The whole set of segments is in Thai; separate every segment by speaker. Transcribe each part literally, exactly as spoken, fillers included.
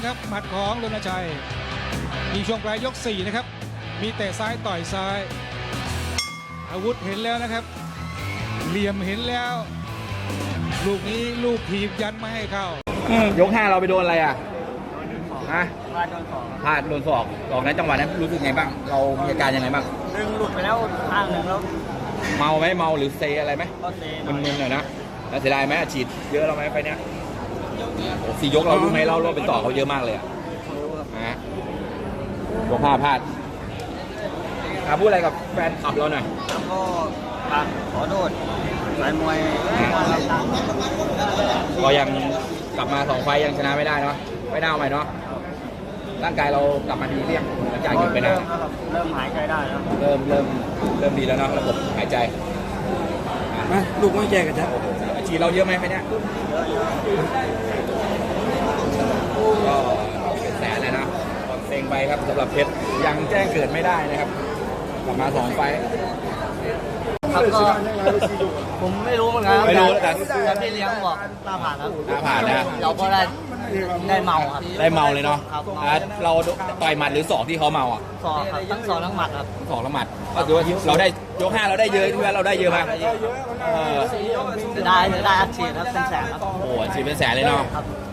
Speaker 1: ครับหมัดของรณชัยมีช่วงปลายยกสี่นะครับมีเตะซ้ายต่อยซ้ายอาวุธเห็นแล้วนะครับเหลี่ยมเห็นแล้วลูกนี้ลูกถีบยันไม่ให้เข้าย
Speaker 2: กห้าเราไปโดนอะไรอ่ะฮะพลาดโดนศอกศอกนั้นจังหวะนั้นรู้สึกไงบ้างเรามีอาการยังไงบ้าง
Speaker 3: ดึงหลุดไปแล้วข้างหนึ่งแล้ว
Speaker 2: เมาไหมเมาหรือเซอะไรไหม
Speaker 3: ก็เซ
Speaker 2: มึนๆหน่อยนะแล้วเสียดายไหมฉีดเยอะเราไหมไฟเนี้ยโอ้สี่ยกเรารู้ไหมเราเราเป็นต่อเขาเยอะมากเลยอ่ะฮะยกห้าพลาดพูดอะไรกับแฟนคลับเราหน่อย
Speaker 3: แล้วก็ขอโทษสายมวย
Speaker 2: ก็ยังกลับมาสองไฟยังชนะไม่ได้เนาะไม่น่าเอาใหม่เนาะร่างกายเรากลับมาดีเรียงหลังจากหยุดไปนาน
Speaker 3: เริ่มหายใจได้แล้ว
Speaker 2: เริ่มเริ่มเริ่มดีแล้วเนาะระบบหายใจ
Speaker 4: มาลูกไม่แย่กันจ้ะ
Speaker 2: ฉีดเราเยอะไหมไฟเนี้ยก็เป็นแสนเลยนะเซ็งไปครับสำหรับเพชรยังแจ้งเกิดไม่ได้นะครับกลับมาสองไฟ
Speaker 3: ครับก็ผมไม่รู้เหมือนกัน
Speaker 2: ไม่รู้แต่
Speaker 3: แต่พี่เลี้ยงบอกตาผ่านครับ
Speaker 2: ตาผ่านนะ
Speaker 3: เราก็ได้ได้เมาครับ
Speaker 2: ได้เมาเลยเนาะเราต่อยหมัดหรือศอกที่เขาเมาอ่ะ
Speaker 3: ศอกครับทั้งศอกทั้งหมัดครับ
Speaker 2: ศอกทั้งหมัดก็คือว่าเราได้ยกห้าเราได้เยอะที่ว่าเราได้เยอะไหม
Speaker 3: จะได้จะได้อัดฉีดครับเป็นแสนครับ
Speaker 2: โอ้ฉีดเป็นแสนเลยเนาะ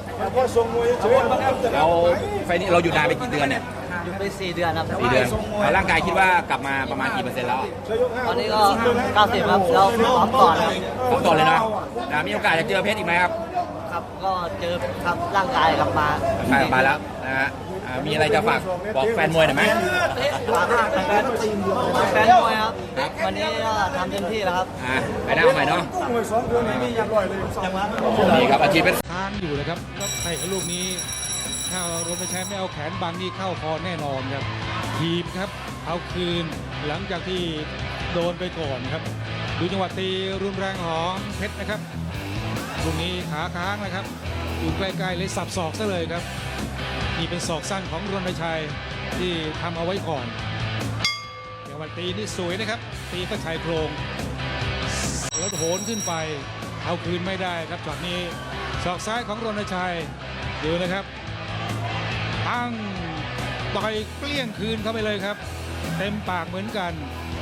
Speaker 2: เราไฟนี้เราอยู่นานไปกี่เดือนเนี่ย
Speaker 3: อยู่ไปสี่เดือนครับ
Speaker 2: สี่เดือนร่างกายคิดว่ากลับมาประมาณกี่เปอร์เซ็นต์แล้ว
Speaker 3: ตอนนี้ก็เก้าสิบครับเราพร้อมก่อนครับ
Speaker 2: พร้อมก่อนเลยนะมีโอกาสจะเจอเพชรอีกไหมครับ
Speaker 3: ครับก็เจอครับร่างกายกลับมา
Speaker 2: ร่างกายกลับมาแล้วนะฮะมีอะไรจะฝากบอกแฟนมวยหน่อยไหม
Speaker 3: แฟนมวยครับวันนี้ก็ทำเต็มที่แล้วครับ
Speaker 2: ไปหน้าใหม่เนาะนี่ครับอาชีพเป็น
Speaker 1: ทานอยู่เลยครับแล้วเตะลูกนี้ถ้ารณชัยไม่เอาแขนบังนี่เข้าคอแน่นอนครับทีมครับเอาคืนหลังจากที่โดนไปก่อนครับดูจังหวะตีรุนแรงของเพชรนะครับลูกนี้ขาค้างนะครับอยู่ใกล้ๆเลยสับศอกซะเลยครับนี่เป็นศอกสั้นของรณชัยที่ทำเอาไว้ก่อนจังหวะตีนี่สวยนะครับตีก็ชายโครงแล้วโหนขึ้นไปเอาคืนไม่ได้ครับช็อตนี้ศอกซ้ายของรณชัยดูนะครับตั้งต่อยเกลี้ยงคืนเข้าไปเลยครับเต็มปากเหมือนกัน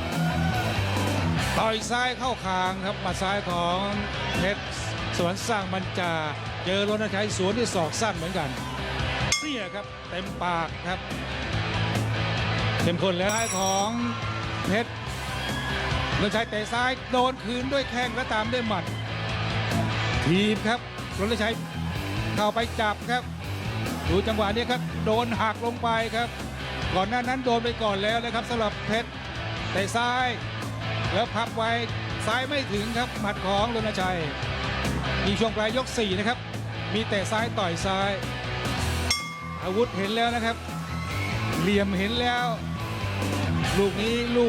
Speaker 1: ต่อยซ้ายเข้าคางครับหมัดซ้ายของเพชรสวนสร้างบรรจาเจอรณชัยสวนที่ศอกสั้นเหมือนกันเนี่ยครับเต็มปากครับเต็มคนแล้วท้ายของเพชรรณชัยเตะซ้ายโดนคืนด้วยแข้งและตามด้วยหมัดทีมครับรณชัยเข้าไปจับครับดูจังหวะนี้ครับโดนหักลงไปครับก่อนหน้านั้นโดนไปก่อนแล้วนะครับสำหรับเพชรเตะซ้ายแล้วพับไว้ซ้ายไม่ถึงครับหมัดของรณชัยมีช่วงปลายยกสี่นะครับมีเตะซ้ายต่อยซ้ายอาวุธเห็นแล้วนะครับเหลี่ยมเห็นแล้วลูกนี้ลูก